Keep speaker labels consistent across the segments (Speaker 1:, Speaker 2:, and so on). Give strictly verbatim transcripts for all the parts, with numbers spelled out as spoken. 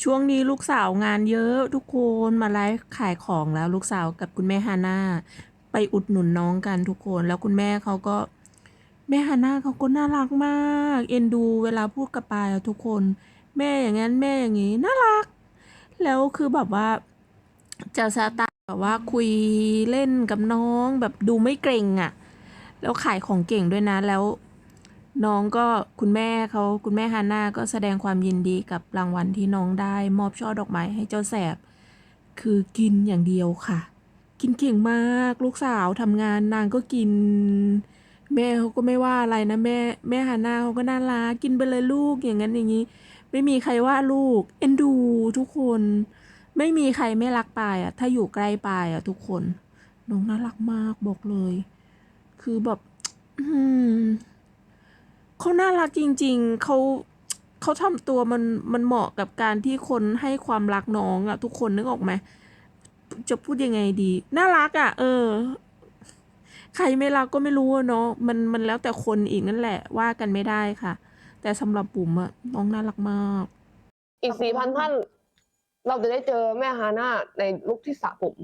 Speaker 1: ช่วงนี้ลูกสาวงานเยอะทุกคนมาไลฟ์ขายของแล้วลูกสาวกับคุณแม่ฮาน่าไปอุดหนุนน้องกันทุกคนแล้วคุณแม่เขาก็แม่ฮาน่าเขาก็น่ารักมากเอ็นดูเวลาพูดกับปายอะทุกคนแม่อย่างนั้นแม่อย่างนี้น่ารักแล้วคือแบบว่าจะสไตล์แบบว่าคุยเล่นกับน้องแบบดูไม่เกรงอ่ะแล้วขายของเก่งด้วยนะแล้ว น้องก็คุณแม่เขาคุณแม่ฮาน่าก็แสดงความยินดีกับรางวัลที่น้องได้มอบช่อดอกไม้ให้เจ้าแสบคือกินอย่างเดียวค่ะกินเก่งมากลูกสาวทำงานนางก็กินแม่เขาก็ไม่ว่าอะไรนะแม่แม่ฮาน่าเขาก็น่ารักกินไปเลยลูกอย่างนั้นอย่างนี้ไม่มีใครว่าลูกเอ็นดูทุกคนไม่มีใครไม่รักปายอ่ะถ้าอยู่ใกล้ปายอ่ะทุกคนน้องน่ารักมากบอกเลยคือแบบอืม เขาน่ารักจริงๆ เขาเขาทำตัวมันมันเหมาะกับการที่คนให้ความรักน้องอะทุกคนนึกออกไหมจะพูดยังไงดีน่ารักอะเออใครไม่รักก็ไม่รู้อะเนาะมันมันแล้วแต่คนอีกนั่นแหละว่ากันไม่ได้ค่ะแต่สำหรับบุ๋มอะน้องน่ารักมาก
Speaker 2: อีกสี่พันท่านเราจะได้เจอแม่ฮาน่าในลุคที่สระผม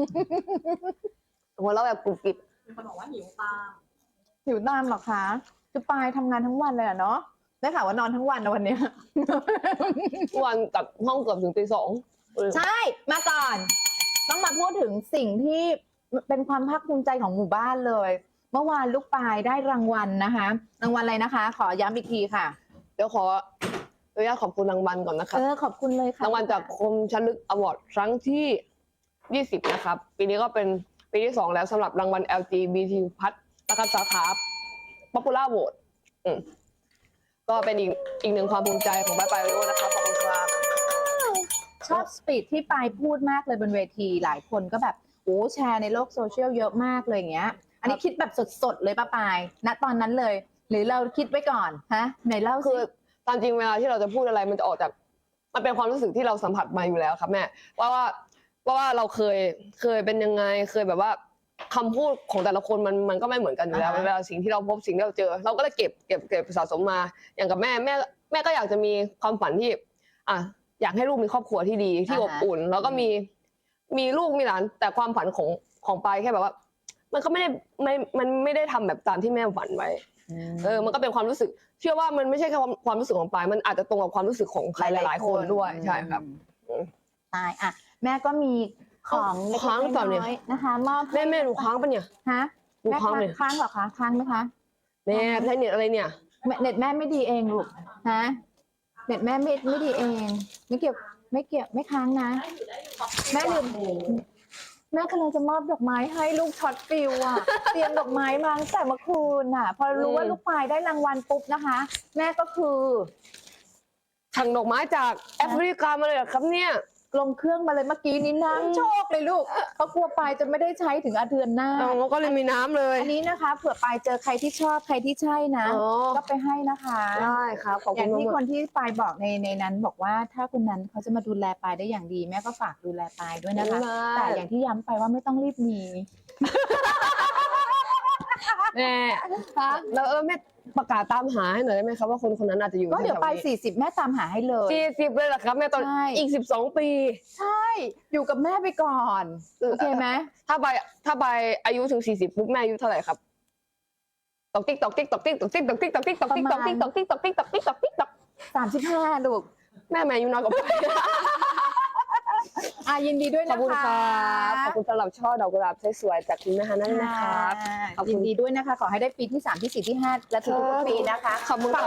Speaker 2: หัวเราะแบบกรุบกริบ
Speaker 3: มีคนบอกว่าหิวตาม
Speaker 4: หิวตามหรอคะคือปายทำงานทั้งวันเลยอะเนาะได้ข่าวว่านอนทั้งวันนะวันเนี้ย
Speaker 2: ทุกวันกลับห้องเกือบถึงตีสอง
Speaker 4: ใช่มาก่อน ต้องมาพูดถึงสิ่งที่เป็นความภาคภูมิใจของหมู่บ้านเลย เมื่อวานลูกปายได้รางวัลนะคะรางวัลอะไรนะคะ ขอย้ำอีกทีค่ะ
Speaker 2: เดี๋ยวขออนุญาตขอบคุณรางวัลก่อนนะครับ
Speaker 4: เออขอบคุณเลยค่ะ
Speaker 2: รางวัลจากคมชลึกอวอร์ดครั้งที่ยี่สิบนะครับปีนี้ก็เป็นปีที่สองแล้วสำหรับรางวัล แอล จี บี ที พัฒนะครับสาขา Popular Vote อืมก็เป็นอีกอีกหนึ่งความภูมิใจของป้ายปายริโอนะครับขอบคุณครับ
Speaker 4: ชอบสปีดที่ปายพูดมากเลยบนเวทีหลายคนก็แบบโอ้แชร์ในโลกโซเชียลเยอะมากเลยอย่างเงี้ย อันนี้คิดแบบสดๆเลยป้าปายณตอนนั้นเลย หรือเราคิดไว้ก่อนฮะไหนเล่า
Speaker 2: คื
Speaker 4: สิ
Speaker 2: อตามจริงเวลาที่เราจะพูดอะไรมันจะออกจากมันเป็นความรู้สึกที่เราสัมผัสมาอยู่แล้วครับแม่ว่าว่าว่าว่าเราเคยเคยเป็นยังไงเคยแบบว่าคำพูดของแต่ละคนมันมันก็ไม่เหมือนกันอยู่แล้ว
Speaker 4: อ่าฮะ
Speaker 2: เวลาสิ่งที่เราพบสิ่งที่เราเจอ เราก็เลยเก็บเก็บเก็บสะสมมาอย่างกับแม่แม่แม่ก็อยากจะมีความฝันที่อ่ะอยากให้ลูกมีครอบครัวที่ดีที่อบอุ่น แล้วก็มีมีลูกมีหลานแต่ความฝันของของปายแค่แบบว่า มันก็ไม่ได้ไม่มันไม่ได้ทำแบบตามที่แม่ฝันไว้ เออ มันก็เป็นความรู้สึก เชื่อว่ามันไม่ใช่แค่ความความรู้สึกของปาย มันอาจจะตรงกับความรู้สึกของใครหลายๆคนด้วย ใช่ครับ
Speaker 4: ใช่อ่ะแม่ก็มีของเล็ก
Speaker 2: ค้างหรือเปล่าเนี่ย
Speaker 4: ๆน้อยๆนะคะมอบให้
Speaker 2: แม่แม่หนูค้างปะเนี่ย
Speaker 4: ฮะ
Speaker 2: หนู
Speaker 4: แม่
Speaker 2: ค้างเลย
Speaker 4: ค้างเหรอคะค้างไหมคะ
Speaker 2: แม่ใช้เน็ตอะไรเนี่ย
Speaker 4: แม่เน็ตแม่ไม่ดีเองลูกฮะเน็ตแม่ไม่ไม่ดีเอง ไม่เกี่ยวไม่เกี่ยวไม่ค้างนะ แม่ลืมแม่กำลังจะมอบดอกไม้ให้ลูกช็อตฟิวอ่ะ เตรียมดอกไม้มาตั้งแต่เมื่อคืนอ่ะ พอรู้ว่า
Speaker 2: อืม
Speaker 4: ลูกปายได้รางวัลปุ๊บนะคะ แม่ก็คือ
Speaker 2: สั่งดอกไม้จากแอฟริกามาเลยเหรอครับเนี่ย
Speaker 4: ลงเครื่องมาเลยเมื่อกี้นี้น้ำโชคเลยลูกเขากลัวปายจะไม่ได้ใช้ถึงอาเดือนหน้า
Speaker 2: เราก็เลยมีน้ำเลย
Speaker 4: อันนี้นะคะเผื่อปายเจอใครที่ชอบใครที่ใช่นะ
Speaker 2: อ๋อ
Speaker 4: ก็ไปให้นะคะ
Speaker 2: ได้ครับ ขอบ
Speaker 4: อ
Speaker 2: คุ
Speaker 4: ย่า
Speaker 2: ณ
Speaker 4: งที่
Speaker 2: มาก
Speaker 4: คนที่ปายบอกในในนั้นบอกว่าถ้าคนนั้นเขาจะมาดูแลปายได้อย่างดี แม่ก็ฝากดูแลปายด้วยนะคะ แต่อย่างที่ย้ำไปว่าไม่ต้องรีบมี
Speaker 2: แม่แล้วเออแม่ประกาศตามหาให้หน่อยได้ไหมครับว่าคนคนนั้นอาจจะอยู่
Speaker 4: ก็เดี๋ยวไปสี่สิบแม่ตามหาให้เลย
Speaker 2: สี่สิบเลยเหรอครับแม่ตอน
Speaker 4: ใช่
Speaker 2: อีกสิบสองปี
Speaker 4: ใช่ อยู่กับแม่ไปก่อน โอเคไหม
Speaker 2: ถ้าใบถ้าใบอายุถึงสี่สิบปุ๊บแม่อายุเท่าไหร่ครับตอกติ๊กตอกติ๊กตอกติ๊กตอกติ๊กตอกติ๊กตอกติ๊กตอกติ๊กตอกติ๊กตอกติ๊กตอกติ๊กตอกติ๊กตอกติ๊กตอก
Speaker 4: สามสิบห้าลูก
Speaker 2: แม่แม่อายุน้อยกว่าไป
Speaker 4: อ่ะยินดีด้วย
Speaker 2: ขอ
Speaker 4: นะ
Speaker 2: บคุณ
Speaker 4: คะ
Speaker 2: ครับขอบคุณสำหรับช่อดอกกุหลาบสวยๆจากคุณแม่ฮานั่นนะครับ ขอบคุณ
Speaker 4: ยินดีด้วยนะคะ ขอให้ได้ปีที่สามที่สี่ที่ห้าและทุกๆปีนะคะ
Speaker 2: ขอบคุณครับ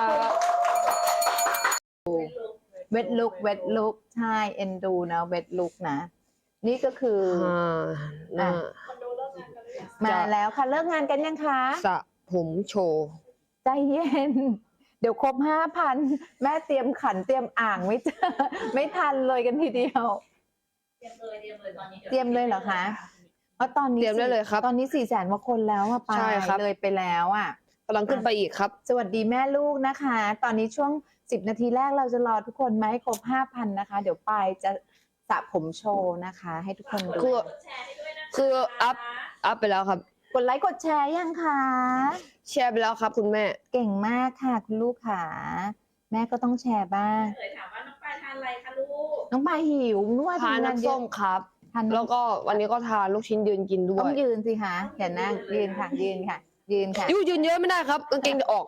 Speaker 4: เวทลุกเวทลุกใช่เอ็นดูนะเวทลุกนะ นี่ก็คือ
Speaker 2: อ่าน่า
Speaker 4: มาแล้วค่ะเลิกงานกันยังคะ
Speaker 2: สระผมโชว์
Speaker 4: ใจเย็น เดี๋ยวครบห้าพันแม่เตรียมขันเตรียมอ่างไม่เจอ ไม่ทันเลยกันทีเดียว
Speaker 3: เตรียมเลยเตรียมเลยตอนนี้
Speaker 4: เตรียมเลยเหรอคะเพราะตอนนี้
Speaker 2: เตรียมได้เลยครับ
Speaker 4: ตอนนี้สี่แสนกว่าคนแล้วอะไป
Speaker 2: ใช่ครับ
Speaker 4: เลยไปแล้วอะ
Speaker 2: กำลังขึ้นไปอีกครับ
Speaker 4: สวัสดีแม่ลูกนะคะ ตอนนี้ช่วงสิบนาทีแรกเราจะรอทุกคนมาให้ครบห้าพันนะคะ เดี๋ยวปายจะสระผมโชว์นะคะ ให้ทุกคนดู
Speaker 2: คือ
Speaker 3: แชร์ให้ด้วยนะคะ
Speaker 2: คืออัพอัพไปแล้วครับ
Speaker 4: กดไลค์กดแชร์ยังคะ
Speaker 2: แชร์ไปแล้วครับคุณแม่
Speaker 4: เก่งมากค่ะคุณลูกค่ะ แม่ก็ต้องแชร์บ้าง
Speaker 3: เลยถามว่าน้องปลายทานอะไรคะลูก
Speaker 4: น้องปายหิวนึกว่า
Speaker 2: ทาน
Speaker 4: ทำงาน
Speaker 2: น้ำ
Speaker 4: เย
Speaker 2: ส้
Speaker 4: อะ
Speaker 2: มครับ
Speaker 4: ทาน
Speaker 2: แล้ว
Speaker 4: น้ำ
Speaker 2: ก็วันนี้ก็ทานลูกชิ้นยืนกินด้ว
Speaker 4: ต้อง
Speaker 2: ย
Speaker 4: ยืนสิคะอย่านั่งยืนค่ะยืนค่ะ ยืนค่ะ
Speaker 2: ยูยืนเยอะไม่ได้ครับกางเกงจะออก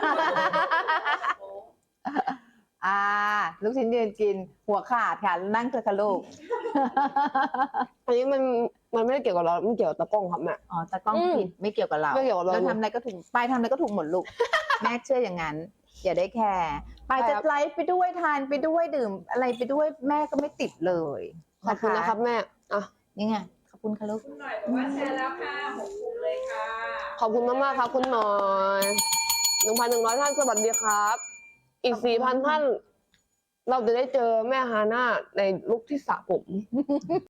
Speaker 4: อ่า ลูกชิ้นยืนกินหัวขาดค่ะนั่งเถอะค่ะลูก
Speaker 2: อันนี้มันมันไม่ได้เกี่ยวกับเรา มันเกี่ยวกับตะกล้องครับแม่
Speaker 4: อ๋อตากล้อง
Speaker 2: อืม
Speaker 4: ผิดไม่เกี่ยวกับเรา
Speaker 2: ไม่เกี่ยวกับเรา
Speaker 4: เราทำอะไรก็ถูกปายทำอะไรก็ถูกหมดลูก แม่เชื่ออย่างนั้น อย่าได้แคร์ปายจะไลฟ์ไปด้วยทานไปด้วยดื่มอะไรไปด้วยแม่ก็ไม่ติดเลย
Speaker 2: ขอบคุณนะครับแม่อ่ะ
Speaker 4: นี่ไงขอบคุณค่ะลูก
Speaker 3: คุณหน่อยบอกว่าแชร์แล้วค่ะหกกลุ่มเลยค่ะ
Speaker 2: ขอบคุณมากๆครับคุณหน่อยหนึ่งพันหนึ่งร้อยท่านสวัสดีครับ อีกสี่พันท่าน เราจะได้เจอแม่ฮาน่าในลุคที่สระผม